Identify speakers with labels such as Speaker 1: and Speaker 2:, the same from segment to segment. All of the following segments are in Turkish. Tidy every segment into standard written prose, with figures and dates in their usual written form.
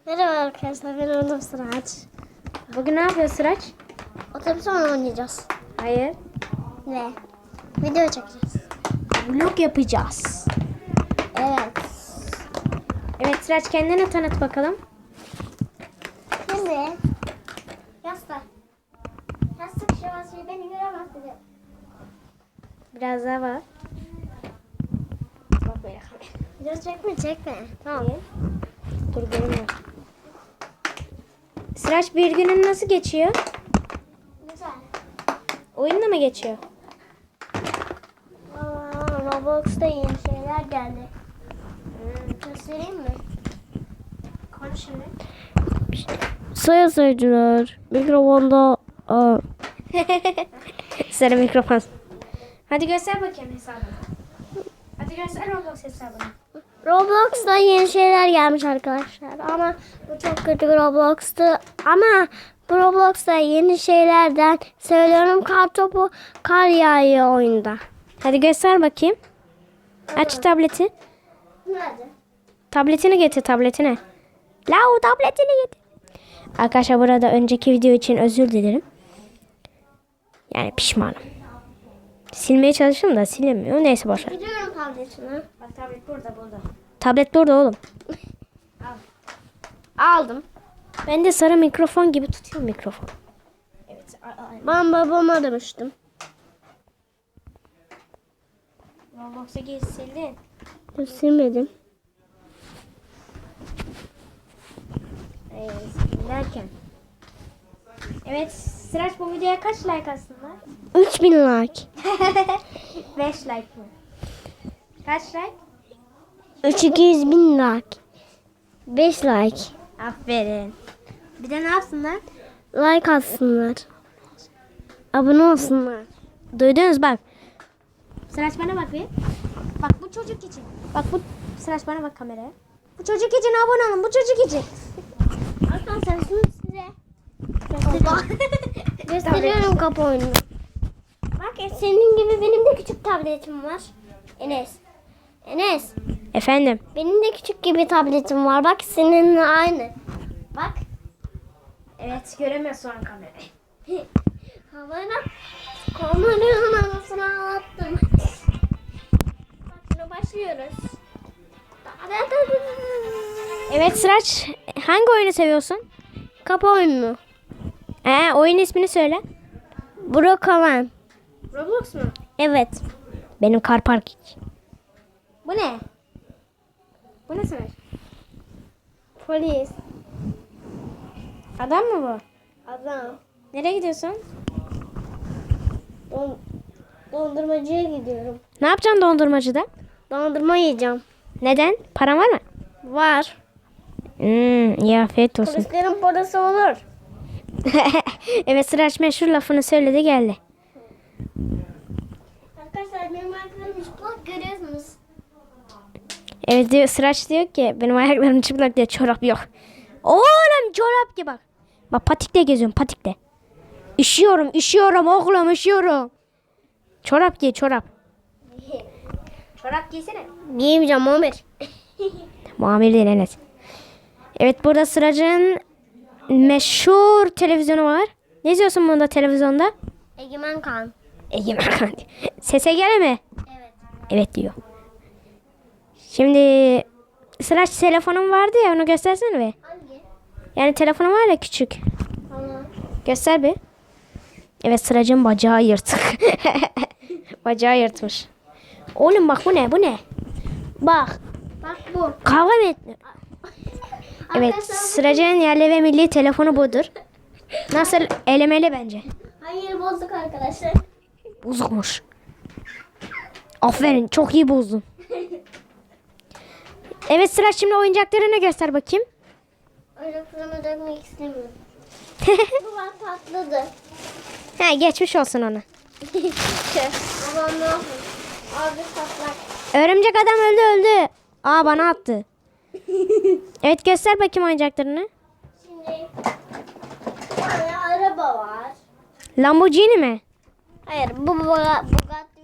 Speaker 1: Merhaba arkadaşlar, ben Onur Sıraç.
Speaker 2: Bugün ne yapıyoruz Sıraç?
Speaker 1: Otobüs oyunu oynayacağız.
Speaker 2: Hayır.
Speaker 1: Ve video çekeceğiz.
Speaker 2: Vlog yapacağız.
Speaker 1: Evet.
Speaker 2: Evet Sıraç, kendini tanıt bakalım.
Speaker 1: Şimdi yastık. Yastık şurası beni göremez dedi.
Speaker 2: Biraz daha var. Bak böyle.
Speaker 1: Video çekme.
Speaker 2: Tamam. Dur görünmüyor. Sıraç, bir günün nasıl geçiyor?
Speaker 1: Güzel.
Speaker 2: Oyunla mı geçiyor?
Speaker 1: Roblox'ta yeni şeyler geldi. Göstereyim mi?
Speaker 2: Konuş şimdi.
Speaker 1: Sayın seyirciler, mikrofonda
Speaker 2: Sarı mikrofon. Hadi göster bakayım hesabını. Hadi göster Roblox hesabını.
Speaker 1: Roblox'ta yeni şeyler gelmiş arkadaşlar. Ama bu çok kötü bir Roblox'tu. Ama bu Roblox'ta yeni şeylerden söylüyorum, kartopu kar yağıyor oyunda.
Speaker 2: Hadi göster bakayım. Aç tableti.
Speaker 1: Nerede?
Speaker 2: Tabletini getir, tabletini. Lau, tabletini getir. Arkadaşlar, burada önceki video için özür dilerim. Yani pişmanım. Silmeye çalıştım da silemiyor. Neyse boşver.
Speaker 1: Gidiyorum tabletine.
Speaker 2: Bak, tablet burada. Tablet burada oğlum.
Speaker 1: Aldım.
Speaker 2: Ben de sarı mikrofon gibi tutuyorum mikrofon. Evet.
Speaker 1: Ben babama demiştim.
Speaker 2: Roblox'a gir, sildin.
Speaker 1: Silmedim.
Speaker 2: Derken. Evet Sıraç, bu videoya kaç like aslında?
Speaker 1: 3000 like.
Speaker 2: 5 like mı? Kaç like?
Speaker 1: 200 bin like. 5 like.
Speaker 2: Aferin. Bir de ne yapsınlar?
Speaker 1: Like atsınlar. Abone olsunlar.
Speaker 2: Duydunuz bak. Sıraç, bana bak bir. Bak, bu çocuk için. Bak bu Sıraç, bana bak kameraya. Bu çocuk için abone olun. Bu çocuk için.
Speaker 1: Arkadaşlar şimdi size gösteriyorum kapı oyununu. Bak, senin gibi benim de küçük tabletim var. Enes.
Speaker 2: Efendim.
Speaker 1: Benim de küçük gibi tabletim var. Bak, seninle aynı. Bak.
Speaker 2: Evet, göremiyorsun an kamerayı.
Speaker 1: Havana kameranın anasını ağlattım. Bak, şimdi başlıyoruz.
Speaker 2: Evet Sıraç, hangi oyunu seviyorsun?
Speaker 1: Kapı oyunu.
Speaker 2: Oyun ismini söyle.
Speaker 1: Brokoman.
Speaker 2: Roblox mu?
Speaker 1: Evet.
Speaker 2: Benim Car Park. Bu ne? Bu ne Sıraç?
Speaker 1: Polis.
Speaker 2: Adam mı bu?
Speaker 1: Adam.
Speaker 2: Nereye gidiyorsun?
Speaker 1: Dondurmacıya gidiyorum.
Speaker 2: Ne yapacaksın dondurmacıda?
Speaker 1: Dondurma yiyeceğim.
Speaker 2: Neden? Paran var mı?
Speaker 1: Var.
Speaker 2: İyi, afiyet olsun.
Speaker 1: Polislerin parası olur.
Speaker 2: Evet Sıraç, meşhur lafını söyledi geldi.
Speaker 1: Arkadaşlar, benim ayaklarım çıplak, görüyorsunuz.
Speaker 2: Evet diyor, Sıraç diyor ki benim ayaklarım çıplak diye, çorap yok. Oğlum çorap ki bak. Bak, patikle geziyorum, patikle. Üşüyorum oğlum, üşüyorum. Çorap giy, çorap. Çorap giysene.
Speaker 1: Giyemeyeceğim Ömer.
Speaker 2: Muamir değil Enes. Evet, burada Sıraç'ın meşhur televizyonu var. Ne izliyorsun bunda televizyonda?
Speaker 1: Egemen Kan.
Speaker 2: Egemen Kan. Sese gel mi?
Speaker 1: Evet.
Speaker 2: Evet diyor. Şimdi Sıraç, telefonum vardı ya, onu göstersene bir.
Speaker 1: Hangi?
Speaker 2: Yani telefonum var ya, küçük.
Speaker 1: Tamam.
Speaker 2: Göster bir. Evet, Sıraç'ın bacağı yırtık. Bacağı yırtmış. Oğlum bak, bu ne? Bu ne? Bak.
Speaker 1: Bak bu.
Speaker 2: Kavga mı ettin? Evet,
Speaker 1: Arkadaşlar,
Speaker 2: Sıraç'ın yerli ve milli telefonu budur. Nasıl? Elemeli bence.
Speaker 1: hayır, bozduk arkadaşlar.
Speaker 2: Bozukmuş. Aferin, çok iyi bozdun. Evet Sıraç, şimdi oyuncaklarını göster bakayım.
Speaker 1: Öyle fırına dökmek istemiyorum. Bu bak patladı.
Speaker 2: Geçmiş olsun ona.
Speaker 1: Babam ne yapıyor? Abi patlak.
Speaker 2: Örümcek adam öldü. Bana attı. Evet, göster bakayım oyuncaklarını.
Speaker 1: Şimdi bir tane araba var.
Speaker 2: Lamborghini mi?
Speaker 1: Hayır, bu Bugatti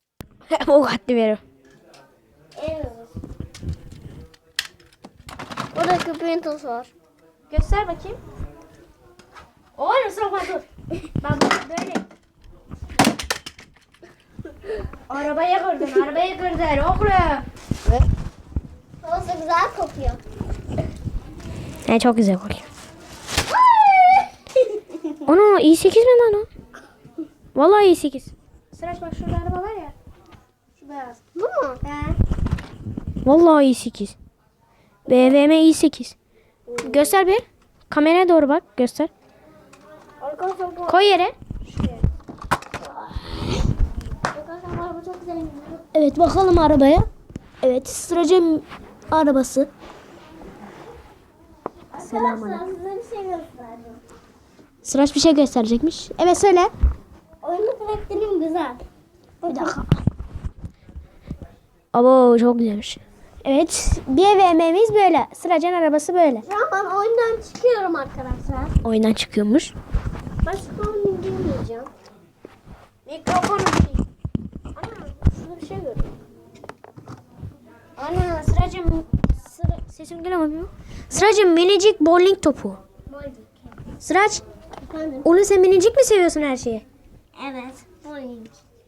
Speaker 1: ve
Speaker 2: Bugatti veriyor.
Speaker 1: en uzun. Burada köpeğin tozu var.
Speaker 2: Göster bakayım. Oğlum Safa dur. Bak böyle. Arabaya kırdın, arabaya kırdın oğlum.
Speaker 1: Tozu güzel kokuyor.
Speaker 2: He çok güzel kokuyor. Ana i8 mi lan o? Vallahi i8. Sıraç bak şurada araba var ya. Şu beyaz.
Speaker 1: Bu mu?
Speaker 2: He. Vallahi i8. BMW i8. Göster bir. Kameraya doğru bak. Göster.
Speaker 1: Arkadaşlar bu.
Speaker 2: Koy yere.
Speaker 1: Arkadaşlar bu çok güzel.
Speaker 2: Evet bakalım arabaya. Evet Sıraç'ın arabası.
Speaker 1: Arkadaşlar size bir şey göstereceğim.
Speaker 2: Sıraç bir şey gösterecekmiş. Evet söyle.
Speaker 1: Oyunun karakterim güzel.
Speaker 2: Bir dakika. Abo çok güzelmiş. Evet BMW'miz böyle. Sıraç'ın arabası böyle.
Speaker 1: Şu an ben oyundan çıkıyorum arkadaşlar.
Speaker 2: Oyundan çıkıyormuş.
Speaker 1: Başka oyun girmeyeceğim.
Speaker 2: Mikrofonu
Speaker 1: Ana şurada bir şey görüyorum.
Speaker 2: Ana Sıraç'ın sesim geliyor mu? Sıraç'ın minicik bowling topu. Sıraç,
Speaker 1: Efendim?
Speaker 2: oğlum sen minicik mi seviyorsun her şeyi?
Speaker 1: Evet. Oyun.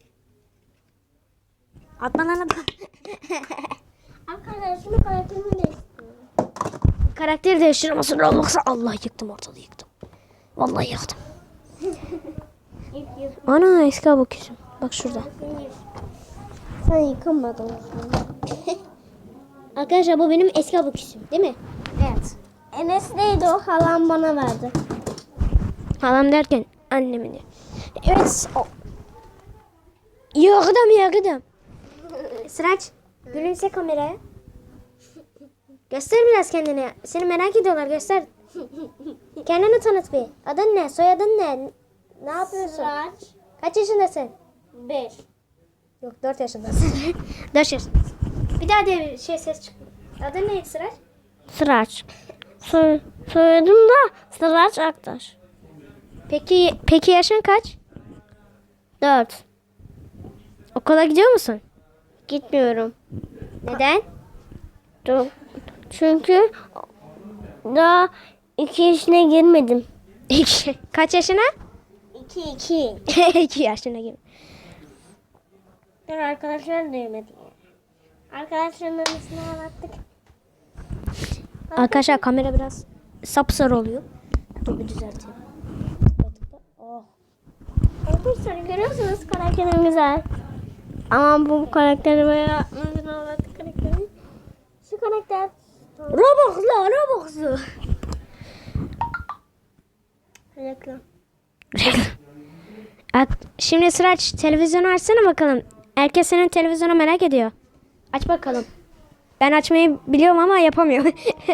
Speaker 2: Atma lan atma.
Speaker 1: Arkadaşlar şunu karakterimi değiştiriyorum.
Speaker 2: Karakteri değiştiremezsin Roblox'a. Allah yıktım ortalığı yıktım. Vallahi yıktım.
Speaker 1: İlk yüz.
Speaker 2: Ana eski abaküsüm. Bak şurada.
Speaker 1: Sen yıkamadın.
Speaker 2: Arkadaşlar bu benim eski abaküsüm değil mi?
Speaker 1: Evet. Enes neydi o? Halam bana verdi.
Speaker 2: Halam derken annemin. Evet. Yıktım. Sıraç gülümse kameraya. Göster biraz kendini. Seni merak ediyorlar göster. Kendini tanıt bir. Adın ne? Soyadın ne? Ne yapıyorsun?
Speaker 1: Sıraç.
Speaker 2: Kaç yaşındasın?
Speaker 1: 5.
Speaker 2: Yok 4 yaşındasın. 4 yaşındasın. Bir daha diye bir şey ses çıkmıyor. Adın neydi Sıraç?
Speaker 1: Sıraç. Soyadım da Sıraç Aktaş.
Speaker 2: Peki yaşın kaç?
Speaker 1: 4.
Speaker 2: Okula gidiyor musun?
Speaker 1: Gitmiyorum.
Speaker 2: Neden?
Speaker 1: Çünkü daha 2 yaşına girmedim.
Speaker 2: Kaç yaşına?
Speaker 1: 2.
Speaker 2: 2 yaşına gibi.
Speaker 1: Dur arkadaşlar duymadı. Arkadaşların annesine anlattık.
Speaker 2: Arkadaşlar kamera biraz sapsarı oluyor. Dur bir düzelteyim. Oh.
Speaker 1: Arkadaşlar görüyorsunuz karakterim güzel. Ama bu karakteri böyle nasıl anlattık karakteri? Şu karakter.
Speaker 2: Robux'lu.
Speaker 1: Reklam.
Speaker 2: Şimdi Sıraç televizyonu açsana bakalım. Herkes senin televizyonu merak ediyor. Aç bakalım. Ben açmayı biliyorum ama yapamıyorum.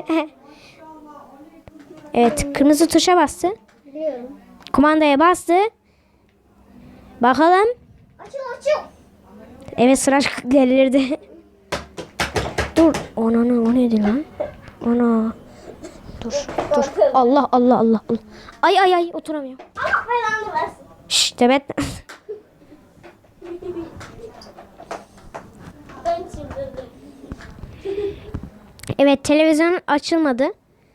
Speaker 2: Evet kırmızı tuşa bastı.
Speaker 1: Biliyorum.
Speaker 2: Kumandaya bastı. Bakalım.
Speaker 1: Açıl.
Speaker 2: Evet Sıraç delirdi. Dur. Ana o neydi lan? Ana. Dur. Allah. Ay oturamıyorum.
Speaker 1: Allah belanı versin.
Speaker 2: Şşş Demet.
Speaker 1: Ben çıldırdım.
Speaker 2: Evet televizyon açılmadı.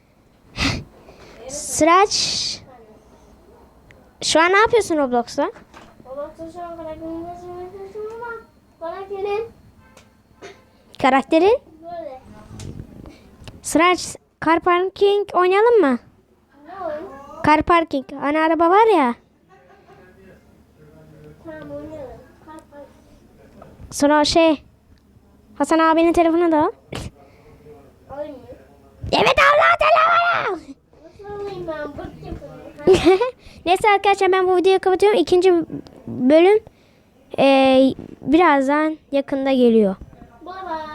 Speaker 2: Sıraç. Şu an ne yapıyorsun Roblox'ta?
Speaker 1: Babası şu an karakterini düşünüyorum ama karakterin
Speaker 2: Karakterin?
Speaker 1: böyle.
Speaker 2: Sıraç car parking oynayalım mı?
Speaker 1: Ne oyun?
Speaker 2: Car parking. Hani araba var ya.
Speaker 1: Tamam oynayalım. Kalk.
Speaker 2: Sonra Hasan abinin telefonu da al.
Speaker 1: Oyun mu?
Speaker 2: Evet Allah telefonu.
Speaker 1: Nasıl alayım ben? Bırt yapıyorum.
Speaker 2: Neyse arkadaşlar ben bu videoyu kapatıyorum. İkinci bölüm birazdan yakında geliyor.
Speaker 1: Bye bye.